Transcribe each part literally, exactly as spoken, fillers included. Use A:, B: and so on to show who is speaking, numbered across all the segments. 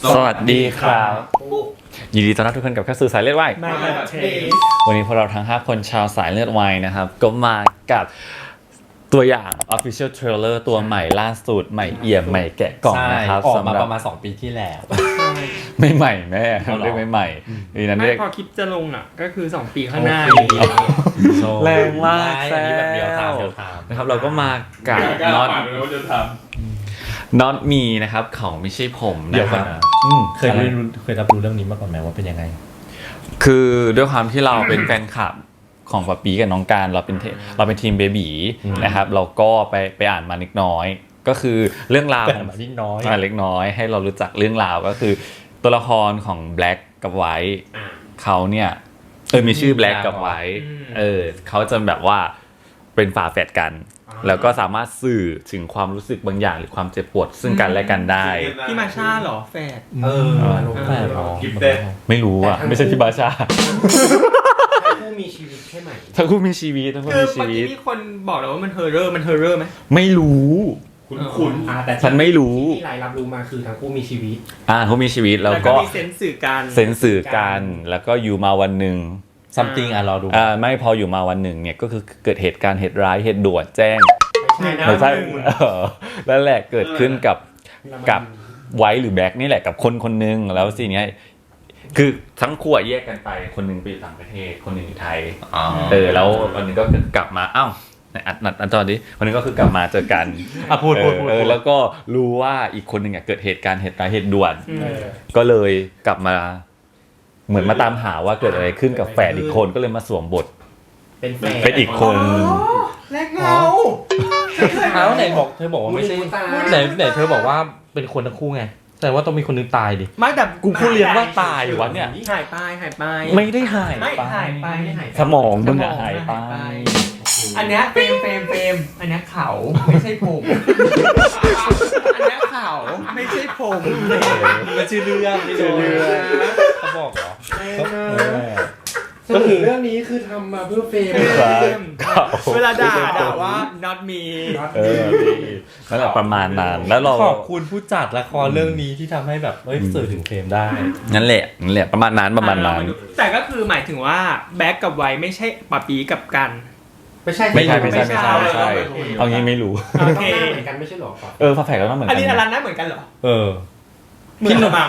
A: สวัสดีครับยินดีต้อนรับทุกคนกับเข้าสู่สายเลือดวายวันนี้พวกเราทั้งห้าคนชาวสายเลือดวายนะครับก็มากับตัวอย่าง Official Trailer ตัวใหม่ล่าสุดใหม่เอี่ยมใหม่แกะกล่องนะครับ
B: ออกมาประมาณสองปีที่แล้ว
A: ไม่ใหม่แม่เรียกไม่ใหม่ดีนั้นเรียก
C: พอคลิปจะลงอ่ะก็คือสองปีข้างหน้า
A: แรงมากแซ่บ
B: เดียวทางเดียวทาง
A: นะครับเราก็มากับน็อตน็อตมีนะครับเขาไม่ใช่ผมนะครับ
B: เคยรู้เคยรับรู้เรื่องนี้มาก่อนไหมว่าเป็นยังไง
A: คือด้วยความที่เราเป็นแฟนคลับของป๊าปีกับน้องการเราเป็นเราเป็นทีมเบบีนะครับเราก็ไปไปอ่านมาเล็กน้อยก็คือเรื่องราวของ
B: เล็กน้อย
A: เล็กน้อยให้เรารู้จักเรื่องราวก็คือตัวละครของแบล็กกับไวท์เขาเนี่ยเออมีชื่อแบล็กกับไวท์เออเขาจะแบบว่าเป็นฝาแฝดกันแล้วก็สามารถสื่อถึงความรู้สึกบางอย่างหรือความเจ็บปวดซึ่งกันและกันได้
C: พี่มาชาเหรอแฝด
B: เออแฝดหรอ
A: ไม่รู้อ่ะไม่ใช่พี่บาชา
D: ทั้งคู่มีชีวิตใช่ไหม
A: ทั้งคู่มีชีวิตทั้งคู่มีชีวิต
C: คือเมื่อกี้มีคนบอกแล้วว่ามันเฮอร์เรอร์มันเฮอร์เรอร์ไหม
A: ไม่รู้
D: คุณ
A: แต่ฉันไม่รู้
D: ที่รายรับรู้มาคือทั้งคู่มีชีวิต
A: อ่าเขามีชีวิตแล้วก็
C: มีเซนส์สื่อกัน
A: เซนส์สื่อกันแล้วก็อยู่มาวันหนึ่ง
B: ซัมติงอ่ะรอดู
A: อ่าไม่พออยู่มาวันหนึ่งเนี่ยก็คือเกิดเหตุการณ์เหตุร้ายเหตุด่วนแจ้ง
D: ไม่
A: ใช่นั่นแหละเกิดขึ้นกับกับไวท์หรือแบ็คนี่แหละกับคนคนนึงแล้วสิเนี้ยคือทั้งคู่แยกกันไปคนนึงไปอยู่ต่างประเทศคนนึงอยู่ไทยเออแล้ววันนึงก็กลับมาอ้าวอัดนัดอัดตอนนี้วันนึงก็คือกลับมาเจอกัน
B: อ่ะพูดพูดพูด
A: แล้วก็รู้ว่าอีกคนนึงอ่ะเกิดเหตุการณ์เหตุร้ายเหตุด่วนก็เลยกลับมาเหมือนมาตามหาว่าเกิดอะไรขึ้นกับแฝดอีกคนก็เลยมาสวมบท
D: เป็นแฝด
A: เป็นอีกคน
C: แลกเงา
B: เอ้าไหนบอกเธอบอกว่าไม่ใช่ไหนไหนเธอบอกว่าเป็นคนทั้งคู่ไงแต่ว่าต้องมีคนนึงตายดิ
C: ไม่แต่
A: กูพูดเรียนว่าตายอยู่วะเนี่ย
C: หายไปหายไป
A: ไม่ได้หาย
C: ไปหายไป
A: สมองมึงหายไป
C: อันเนี้ยเฟรมเฟรมเฟรมอันเนี้ยเขาไม่ใช่ผมอันเนี้ยเขาไม่ใช่ผม
B: มันชื่อเรื่องนี่ชื่อเรื่องเขาบอกเหรอ
D: ก็คือเรื่องนี้คือทำมาเพื่อเฟรม
C: เวลาด่าด่าว่า not me
A: เออนั่นแหละประมาณนั้นแล้วเรา
B: ขอบคุณผู้จัดละครเรื่องนี้ที่ทำให้แบบเอ้ยสื่อถึงเฟรมได้
A: นั่นแหละนั่นแหละประมาณนั้นประมาณนั้น
C: แต่ก็คือหมายถึงว่าแบ็คกับไวไม่ใช่ปะปีกับกัน
D: ไม่ใช่
A: ไม่ใช่ไม่ใช่ไม่ใช่ไม่ใช่เอางี้ไม่รู้
D: โอเคเหมือนกันไม่ใช่หรอ
A: เออฝาแฝดก็ต้องเหมือนกัน
C: อันนี้อลันน่าเหมือนกันเหรอ
B: เออ
C: เหมือนมั้ง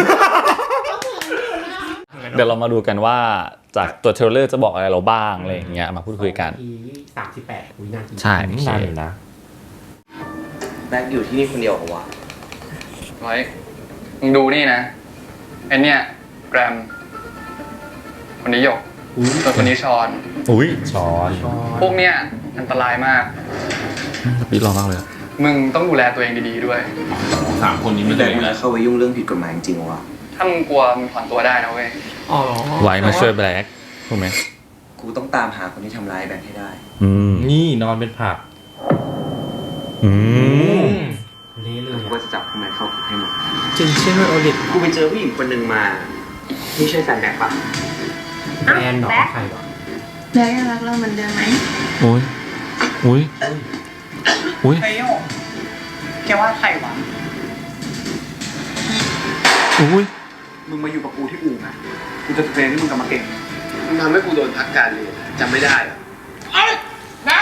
A: เดี๋ยวเรามาดูกันว่าจากตัวเทรลเลอร์จะบอกอะไรเราบ้างอะไรอย่างเงี้ยมาพูดคุยกัน
D: สามสิบแปดวินาที
A: ใช่
B: นานอยู่นะ
E: แบ็คอยู่ที่นี่คนเดียวเหรอวะ
F: ไว้มึงดูนี่นะไอเนี่ยแกรมคนนี้หยกส่วนคนนี้ชอน
A: อุ้ย
B: ชอน
F: พวกเนี้ยอันตรายมาก
A: ปีรอมากเลย
F: มึงต้องดูแลตัวเองดีๆด้วย
A: สามคนนี้ไม่ได้
E: แล้วเข้าไปยุ่งเรื่องผิดกฎหมายจริงวะ
F: ถ้ามึงกลัวมึงถอนตัวได้นะเว้ย
C: อ๋อ
A: ไว้มาช่วยแบล็คถูกไหม
E: กูต้องตามหาคนที่ทำร้ายแบ็คให้ได้
A: อืม
B: นี่นอนเป็นผัก
A: อืม
E: เละเลยกูจะจับคนนั้นเข้าคุกให้หมด
C: จริงใช่ไหมโอลิฟ
E: กูไปเจอผู้หญิงคนหนึ่งมานี่ใช่แฟนแบ็คปะ
D: แฟนหรอใครหรอ
G: แบ็คยังรักเราเหมือนเดิมไหม
A: โอ้ยโอ้ยโอ้ย
C: ไอ้โยแกว่าใครวะ
A: โอ้ย
E: มึงมาอยู่กับกูที่อู่นะกูจะเทรนให้มึงกลับมาเก่งมึงทำให้กูโดนพักการเรียนจำไม่ได้หรอเอ้ยนะ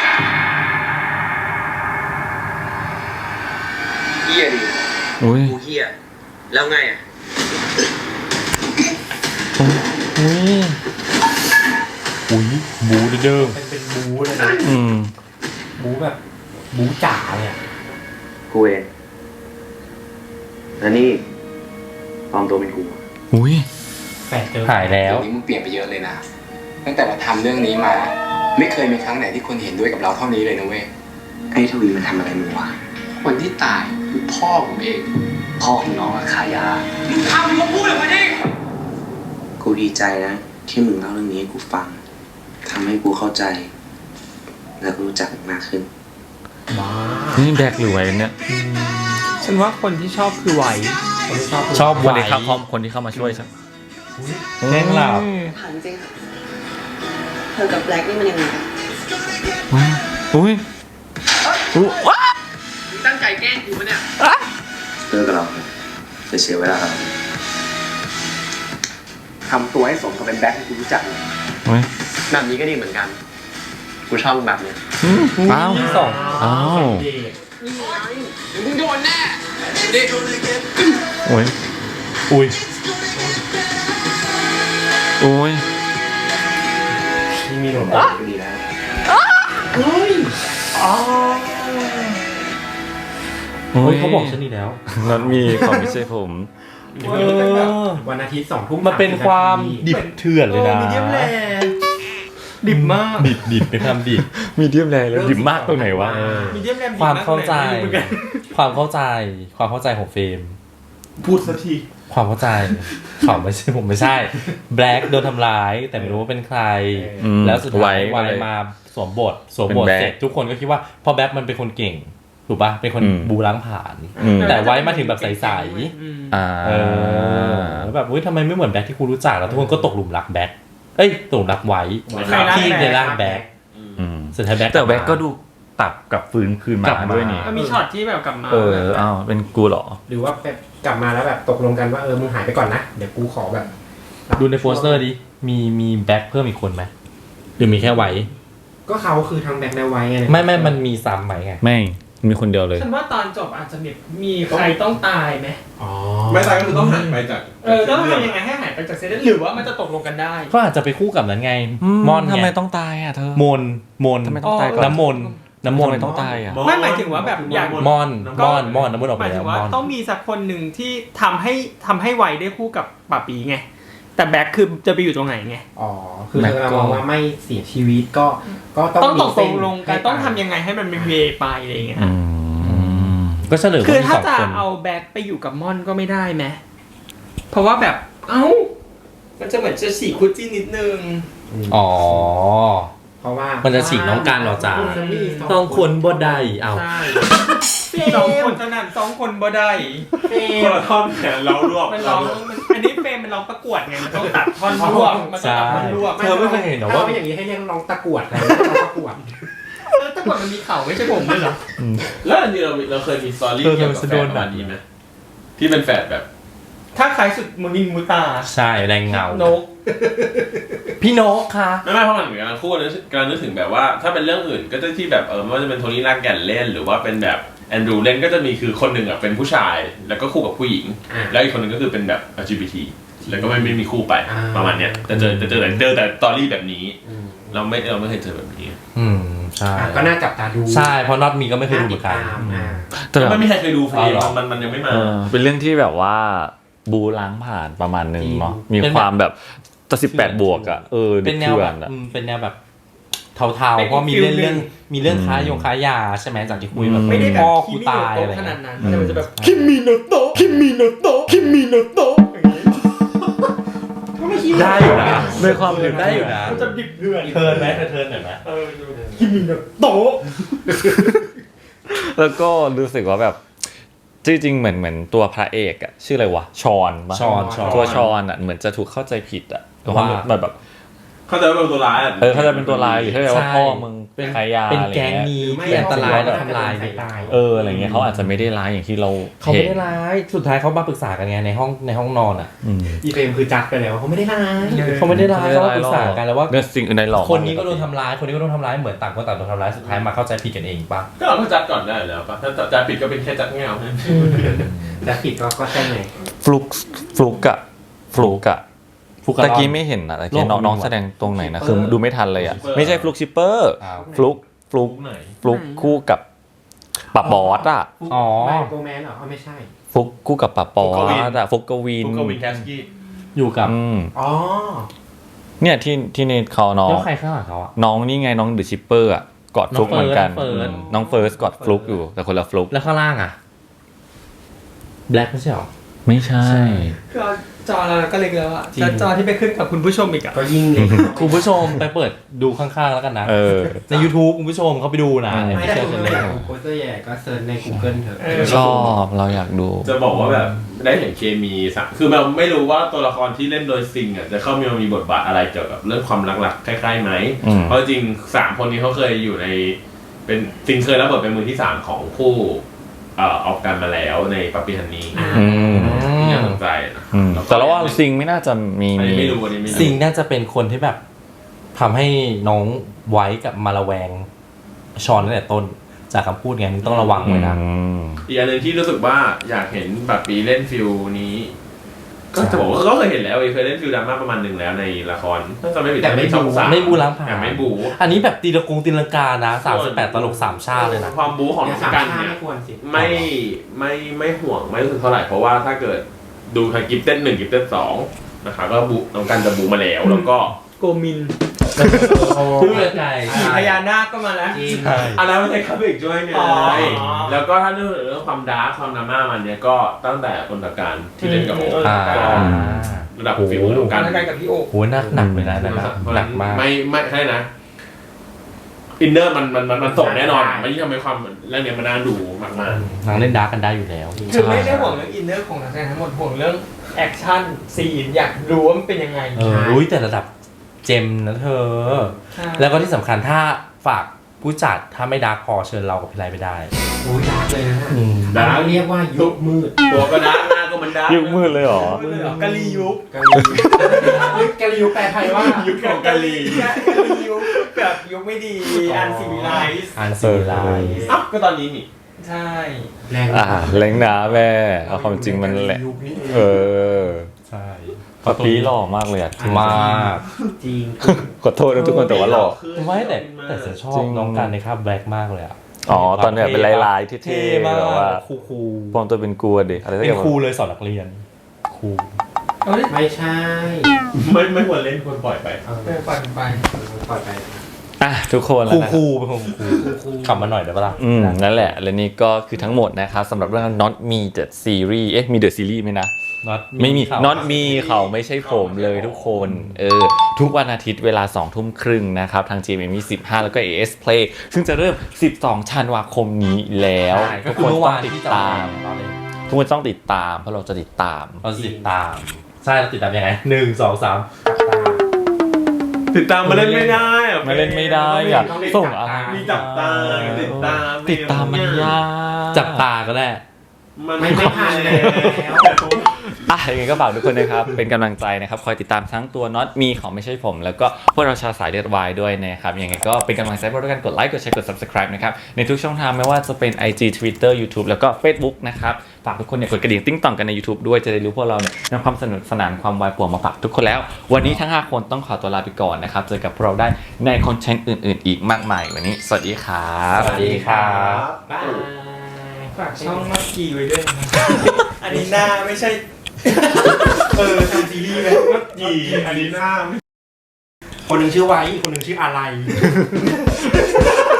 E: เฮียดิ
A: โอ้ย
E: กูเฮียแล้วไงอ่ะ
A: โอ้ยอุ้ยบูเดิม
D: เป็นเป็นบูเลยนะ
A: อืม
D: บูแบบบูจ๋าเนี่ย
E: กูเองแล้วนี่ปลอมตัวเป็นกู
A: อุ้ย
D: แฝดเจอ
B: หายแล้ว
E: นี้มึงเปลี่ยนไปเยอะเลยนะตั้งแต่เราทำเรื่องนี้มาไม่เคยมีครั้งไหนที่คนเห็นด้วยกับเราเท่านี้เลยนะเว้ยไอ้ทวีมันทำอะไรมึงวะคนที่ตายคือพ่อผมเองพ่อของน้องอะขายามึงทำมึงพูดออกมาดิกูดีใจนะที่มึงเล่าเรื่องนี้ให้กูฟังทำให้กูเข้าใจแล้วก็รู้จักมากขึ้น
A: นี่แบกหรือไว้เนี่ย
C: ฉันว่าคนที่ชอบคือไว
A: ชอบชอบวันนี้ครับพร้อมคนที่เข้ามาช่วยใช่
B: แกล้งหลับ
G: ถามจริงเธอกับแบล็คนี่มันยังไงกัน
A: อุ้ยอุ้ยว้า
E: ตั้งใจแกล้งกูปะเนี่ยเลิกกับเราจะเสียเวลาทำตัวให้สมกับเป็นแบ็คที่คุณรู้จักแบบนี้ก็ดีเหมือนกันกูชอบแบบนี้
A: อ้าว
B: สอง
A: อ้าว
E: มึงโดนแน่ดิ
A: โอ้ย
B: อุ้ย
A: โอ้ย
D: ที่มีหนวดก็ดีแล้ว
A: โอ้
B: เฮ้ย
A: ย
B: เขาบอกฉันนี่แล้ว
A: นั่นมีของไม่ใช่ผม
B: เออ
D: วันอาทิตย์สองทุ่ม
B: มันเป็นความดิบเถื่อนเลยนะ
C: มีเดียมแรดิบมาก
B: ดิบดิบเป็นความดิบ
A: มีเดียมแรงแล้วดิบมากตรงไหนวะ
C: มีเดียมแรดิบ
B: ความ
C: ก
B: เข้าใจ
C: ไม่รู้เหมือนกัน
B: ความเข้าใจ ความเข้าใจของเฟรม
D: พูดสักที
B: ความเข้าใจ เขาไม่ใช่ผมไม่ใช่ แบล็กโดนทำร้าย แต่ไม่รู้ว่าเป็นใคร
A: อืม
B: แล้วสุดท้าย
A: ไว้
B: วาย
A: เลย
B: มาสวมบท สวมบท
A: เป็นแบ็ค
B: เสร็จทุกคนก็คิดว่าพอแบ็คมันเป็นคนเก่ง ถูกปะเป็นคน
A: อืม
B: บูล้างผ่าน
A: อืม
B: แต่ไว้มาถึงแบบใส
C: อืม
A: อ่า
B: ๆเออแล้วแบบเฮ้ยทำไมไม่เหมือนแบ็คที่กูรู้จักแล้วทุกคนก็ตกหลุมรักแบ็คเอ้ยตกหลุมรักไว้
C: ใครรัก
B: ที่ในร่างแบ็ค
A: อืม
B: สุดท้ายแบ็ค
A: แต่แบ็คก็ดูตับกับฟื้นคืน
B: กลั
A: มา
B: บมา
A: ด้วยนี่
C: ก็มีช็อตที่แบบกลับมา
A: เอออ้าวเป็นกูเหรอ
D: หรือว่าแบบกลับมาแล้วแบบตกลงกันว่าเออมึงหายไปก่อนนะเดี๋ยวกูขอแบบ
B: ดูในโปสเตอร์ดิ มีมีแบ็คเพิ่มอีกคนไหมหรือมีแค่ไว้
D: ก็เขาคือทางแบ็คแนวไว้ไง
B: ไม่ไม่มันมีซ้ำไหมไง
A: ไม่มีคนเดียวเลย
C: ฉันว่าตอนจบอาจจะมีมีใครต้องตายไหม
D: อ๋อ
H: ไม่ตายก็คือต้องหายไปจาก
C: เออต้องทำยังไงให้หายไปจากเซตหรือว่ามันจะตกลงกันได้
B: ก็อาจจะไปคู่กับนั้นไง มอน
A: ทำ
B: ไง
A: ไมต้องตายอ่ะเธอ
B: มนมน
A: ทำไมต้องตายก่อน
B: น้ำมนน้ำม
A: ทำ
B: น
A: ไมต้องตายอ่ะ
C: ไม่หมายถึงว่าแบบอย่าง
B: มอนมอนมอนน้ำมนออก
C: ห
B: ไป
C: มาย
B: แล้
C: ถึ
B: ว
C: งว่าม
B: อน
C: ต้องมีสักคนหนึ่งที่ทำให้ทำให้ไวได้คู่กับป่าปีไงแต่แบ็คคือจะไปอยู่ตรงไหนไง
D: อ๋อคือเธอมองว่าไม่เสียชีวิตก็ก็ต้อง
C: ต้องตก
D: มีเส้
C: ล
D: น
C: งลงกัน
D: ให้
C: ต้องทำยังไงให้มันเป็นเวไปอะไรอย่างเงี้ย
A: อืม
B: ก็เฉลย
C: คือ
B: ว่ามี
C: ถ้า
B: สอง
C: จะ
B: คน
C: เอาแบ็คไปอยู่กับม่อนก็ไม่ได้ไหมเพราะว่าแบบเอ้ามันจะเหมือนจะฉีกคู่จิ้นนิดนึง
B: อ๋อ
D: เพราะว่า
B: มั
D: มัน
B: จะฉีกน้องการออกจากต้องคนบ่ได้เอา
C: ใช่สองคนเท่านั้นสองคนบ่ได้
H: คนละท่อนแขนเรารวบ
C: มันร้องมันอันนี้เฟรมมันร้องประกวดไงมันต้องตัดท่อนรวบมันต้องตัดท่อนรวบ
B: เธอไม่เคยเห็นเหรอ
D: ถ้า
B: ว่า
D: ว่าอย่างนี้ให้เรียกน้องตะกรวดอะไรน้องตะกรวด
C: แล้วประกวดมันมีเข่าไม่ใช่ผมเลยเหรอ
H: แล้วอันนี้เราเราเคยมีสตอรี่
B: เออ
H: เกี่ยวกับ
B: เธอ
H: แฟ
B: โด
H: น
B: น
H: ประมาณนี้ไหมที่เป็นแฝดแบบ
C: ถ้าใครสุดมูนินมูตา
B: ใช่แรงเงาน
C: ก
B: พี่นกค่ะ
H: ไม่ไม่เพราะมันเหมือนกันคู่นึกกำลังนึกถึงแบบว่าถ้าเป็นเรื่องอื่นก็จะที่แบบเออไม่ว่าจะเป็นโทนี่ลากแก่นเล่นหรือว่าเป็นแบบแอนดรูเล่นก็จะมีคือคนหนึ่งอ่ะเป็นผู้ชายแล้วก็คู่กับผู้หญิง
D: อ่า
H: แล้วอีกคนหนึ่งก็คือเป็นแบบ แอล จี บี ที แล้วก็ไม่ไม่มีคู่ไป
D: อ่า
H: ประมาณเนี้ยแต่เจอแต่เจอแต่เจอแต่สตอรี่แบบนี้ เราไม่เราไม่เคยเจอแบบนี้
B: อืมใช่
D: อ่ะก็น่าจับตาดู
B: ใช่เพราะน็อตมีก็ไม่เคยดูเหมือนกัน
D: าติดตามอ่า
A: แต่แบบ
H: ไม่มีใครเคยดูฟรี
B: อ๋อเหรอ
H: มันมันยังไม่มา
A: เออเป็นเรื่องที่แบบว่าบูล้างผ่านประมาณหนึ่งเนาะมี
B: เป็นแบบ
A: ความแบบตะสิบแปดบวกอ่ะเออ
B: เป็นแนว
A: ถื่
B: แบ
A: อบ อะ
B: อืมเป็นแนวแบบเทาๆเพราะมีเรื่องเรื่องมีเรื่องค้ายงค้ายาใช่ไหมจากที่คุยแบบ
C: ไม่ได้แบบ
B: พ่อ
C: คิ
B: กู
C: มิ
B: ตาย
C: โน
B: อะไร
C: โตะขนา
B: เงี้
C: ด
B: ย
C: นั้นแต่มันจะแบบ
B: คิมิโนโตะคิมิโนโตะคิมิโนโตะได้อยู่นะ
A: ด้วยความ
B: เออได้อยู่นะ
C: มันจะดิบเดือด
B: เทิร์นไหมเทิร์นหน่อยไหม
C: เออดู
B: คิมิโนโตะ
A: แล้วก็รู้สึกว่าแบบจริงๆเหมือนเหมือนตัวพระเอกอะชื่ออะไรวะชอนปะ
B: ชอนชอน
A: ตัวชอนอะเหมือนจะถูกเข้าใจผิดอะความ
B: ว่า
A: แบบแบบ
H: เขาจะเป็นตัวร้ายอ่ะ
A: เออเขาจะเป็นตัวร้ายหรือเขาจะว่า
B: ใช่
A: พ่อมึง
B: เป็น
A: ขายยา
B: เป็น
A: อะไร
B: แก๊ง
A: เงี้ย
B: นี้
D: ไม่
B: ที่อันตรายและทำลาย
D: สา
B: เด็
D: ย
B: ก
D: ตาย
A: เอออะไรเงี้ยเขาอาจจะไม่ได้ร้ายอย่างที่เรา
B: เขาไม่
A: เห็น
B: ได้ร้ายสุดท้ายเขามาปรึกษากันไงในห้องในห้องนอนอ่ะ
A: อืม
D: อีเฟรมคือจัดไปแล้วเขาไม่ได้ร้าย
B: เขาไม่ได้ร้ายเขามาปรึกษากันแล้วว่า
A: เรื่องสิ่งอื่นใดหลอก
B: คนนี้ก็โดนทำร้ายคนนี้ก็โดนทำร้ายเหมือนต่างคนต่างโดนทำร้ายสุดท้ายมาเข้าใจผิดกันเองปะ
H: ก็เราก็จัดก่อนได้แล้วปะถ้าจัดผิดก็เป็นแค่จัดเงา
D: จัดผิดก็ก็ใช่ไง
A: ฟลุกฟลุกอะฟลุกอะ
B: ฟุก
A: ตะกี้ไม่เห็นอะตะกี้น้องน้องแสดงตรงไหนนะคือดูไม่ทันเลยอะไม่ใช่ฟลุกชิปเปอร์
B: อ้าว
A: ฟลุกฟลุก
H: ไหน
A: ฟลุกคู่กับปับบอสอะ
B: อ๋อ
D: ไม่โกแมนเหรออ๋อไม่ใช่
A: ฟลุกคู่กับปับบอสอะฟลุกกวิน
H: ฟุกกวินแคสกี้
B: อยู่กับ
A: อืม
D: อ๋อ
A: เนี่ยที่ที่ในเขาน้อง
B: แล้วใครข้างหลังเขาอ่ะ
A: น้องนี่ไงน้องเดอะชิปเปอร์อะกอดฟลุก
B: น้อง
A: เหมือนกัน
B: เฟิร์ส
A: อืมน้องเฟิร์สกอดฟลุกอยู่แต่คนละฟลุก
B: แล้วข้างล่างอ่ะแบล็คไม่ใช่หรอ
A: ไม่ใช่
C: คือจอเราก็เล็กแล้วอะ
B: จริง
C: แล้วจอที่ไปขึ้นกับคุณผู้ชมอีกอะ
D: ก็ยิ่งเลย
B: คุณผู้ชมไปเปิดดูข้างๆแล้วกันนะ
A: เออ
B: ใน YouTube คุณผู้ชมเขาไปดูนะ
A: อืม
B: ใน
D: ไม่
B: พิ
D: ได้
B: เศษ
D: คุณ
B: เล
D: ไม่
B: ย
D: อยากดูโปสเตอร์ใหญ่ก็เซิร์ชใน Google เถอะ
A: ชอบเราอยากดู
H: จะบอกว่าแบบได้เห็นเคมีสักคือเราไม่รู้ว่าตัวละครที่เล่นโดยซิงอ่ะจะเข้ามีมีบทบาทอะไรเกี่ยวกับเรื่องความรักๆคล้ายๆไหม
A: อืม
H: เพราะจริงสามคนนี้เขาเคยอยู่ในเป็นซิงเคยรับบทเป็นมือที่สามของคู่เอ่อออกกันมาแล้วในปัปปี้ฮันนี่
A: อืม
H: ที่น่าสนใจนะ
A: อืมแต่เราว่าซิงไม่น่าจะมี
H: อัน
A: มี
H: นี้ไม่รู้อันนี้ไม่รู้
B: ซิงน่าจะเป็นคนที่แบบทำให้น้องไว้กับมาระแวงชอนตั้งแต่ต้นจากคำพูดไงมึงต้องระวังไว้นะ
A: อืม
H: อีกอันหนึ่งที่รู้สึกว่าอยากเห็นแบบปีเล่นฟิลนี้ ก็จะบอกว่าก็เคยเห็นแล้วเคยเล่นฟิลดราม่าประมาณหนึ่งแล้วในละครถ้าจะไม่ผิด
C: แต่ไม่
H: ช่อง
C: บู๊
H: สาม
B: ไม่บูล้างผ่าน
H: แต่ไม่บู
B: อันนี้แบบตีละกงตีลังกานะสามสิบแปดตลกสามชาติเลยนะ
H: ความบูของน้องกันเนี่ย
C: ไม่ควรสิ
H: ไม่ไม่ไม่ห่วงไม่รู้สึกเท่าไหร่เพราะว่าถ้าเกิดดูทางกิฟเต้นหนึ่งกิฟเต้นสองนะครับก็บูน้องกันจะบูมาแล้วแล้วก็
C: โกมิน
B: พูดเลยใจ
C: ขี่พญานาคก็มาแล้ว
B: ใช่
H: อันนั้นไม่ใช่ครับอีกด้วยไง
C: อ๋อ
H: แล้วก็ถ้าเรื่องเรื่องความดาร์คความดราม่ามันเนี่ยก็ตั้งแต่คนตะการที่เล่นกับโอ๊ค
B: อ่า
H: ก็ระดับฟิลของ
C: กา
H: การ
C: รกันกับพี่โอ๊ค
B: โหหนักหนักเลยนะนั่นนะหนักมาก
H: ไม่ไม่ใช่นะอินเนอร์มันมันมันมันส่งแน่นอนมันยิ่งทำให้ความเรื่องเนี้ยมันน่าดูมาก
B: นางเล่นดาร์กกันได้อยู่แล้ว
C: คือไม่ได้ห่วงเรื่องอินเนอร์ของนักแสดงทั้งหมดห่วงเรื่องแอคชั่นซีนอยากรู้ว่ามันเป็นยังไง
B: เอออุ้ยแต่ระดับเจมนะเธอ
C: ใช่
B: แล้วก็ที่สำคัญถ้าฝากผู้จัดถ้าไม่ดาร์กพอเชิญเรากับพี่ไรไปได้
D: โอ้ยดาร์กเลยนะ
B: อืม
H: ๆดาร์ค
D: เรียกว่ายุคมืด
H: ตัวก็ดาร์คหน้าก็มันดาร์ก
A: ยุคมืดเลยเหรอ
C: กะลียุค
D: กะลียุคกะลียุคแปลไทยว่า
H: ยุคของกาลี
C: กะลียุคแบบยุคไม่ดีอันซีวิไลซ์
B: อันซีไล
H: อ้าวก็ตอนนี้นี่
C: ใช่
D: แรง
A: อ่าเล้งนะแม่เอาความจริงมันแหละ
D: ยุคนี้
A: เออ
B: ใช่
A: ปะปีหล่อมากเลยอะ
B: มาก
D: จริง
A: ขอโทษนะทุกคนแต่ว่าหล่อ
B: ไม่แต่แต่ฉันชอบ
A: จริง
B: น้องกันในคราบแบล็กมากเลยอ่ะ
A: อ๋อตอนเนี้ยเป็นลายๆเท่
B: เท่
A: ๆ
B: มาก
A: แบบว่า
B: คูคู
A: ปลอมตัวเป็นกลัวดิอะไรสัก
B: เป็
A: อน ย่าง
B: ครูเลยสอนนักเรียนครู
C: เอ้ย
D: ไม่ใช่
H: ไม่ไม่ควรเล่นควรปล่อยไป
D: เออ
C: เออปล่อยไป
D: ปล่อยไป
A: อ่ะทุกคน
B: ครู
A: แล้วนะ
B: ครูเป็นคนครูขับมาหน่อยได้ปะล่ะ
A: อืมนั่นแหละ และนี่ก็คือทั้งหมดนะครับสำหรับเรื่อง Not Me The Series เอ๊ะมี The Series ไหมนะ
B: Not
A: ไม่มี
B: เขา
A: Not Me เขาไม่ใช่ผมเลยทุกคนเออทุกวันอาทิตย์เวลาสองทุ่มครึ่งนะครับทาง จี เอ็ม เอ็ม สิบห้าแล้วก็ เอ เอส Play ซึ่งจะเริ่มสิบสองธันวาคมนี้แล้ว
B: ใช่ก็
A: ทุก
B: คือ
A: คน
B: เมื่อ
A: ต้อ
B: วาง น
A: ติด
B: ที่จะ
A: ตาม
B: เราเลย
A: ทุกคนต้องติดตามเพราะเราจะติดตาม
B: เราจะติดตาม ใช่เราติดตามยังไงหนึ่งสองสาม
H: ติดตามมาเล่นไม่ได้อะ
A: มาเล่นไม่ได้อะส่งอะไร
H: มีจับตาติดตาม
A: ติดตามมันยาก
B: จับตาก็ได้
H: มัน
D: ไม่ไม่ทันแล้ว
A: อ่ะยังไงก็ฝากทุกคนนะครับ เป็นกำลังใจนะครับ คอยติดตามทั้งตัว Not Me ของไม่ใช่ผม แล้วก็พวกเราชาวสายเลือดวายด้วยนะครับ ยังไงก็เป็นกำลังใจพวกเราด้วยกันกดไลค์ กดแชร์ กด Subscribe นะครับ ในทุกช่องทางไม่ว่าจะเป็น ไอ จี Twitter YouTube แล้วก็ Facebook นะครับ ฝากทุกคนเนี่ยกดกระดิ่งติ้งต่องกันใน YouTube ด้วย จะได้รู้พวกเราเนี่ยนำความสนุกสนานความวายป่วงมาฝากทุกคนแล้ว วันนี้ทั้งห้าคนต้องขอตัวลาไปก่อนนะครับ เจอกับพวกเราได้ในคอนเทนต์อื่นๆ อีกมากมาย วันนี้สวัสดีครับ
B: สวัสดีครับ
C: บายฝากช่องมักกี้ไว้ด้วยนะครับอันนี้หน้าไม่ใช่ เออทำซีรีส์ไหมมักกี้
H: อันนี้หน้า
D: คนหนึ่งชื่อไว้อีกคนหนึ่งชื่ออะไร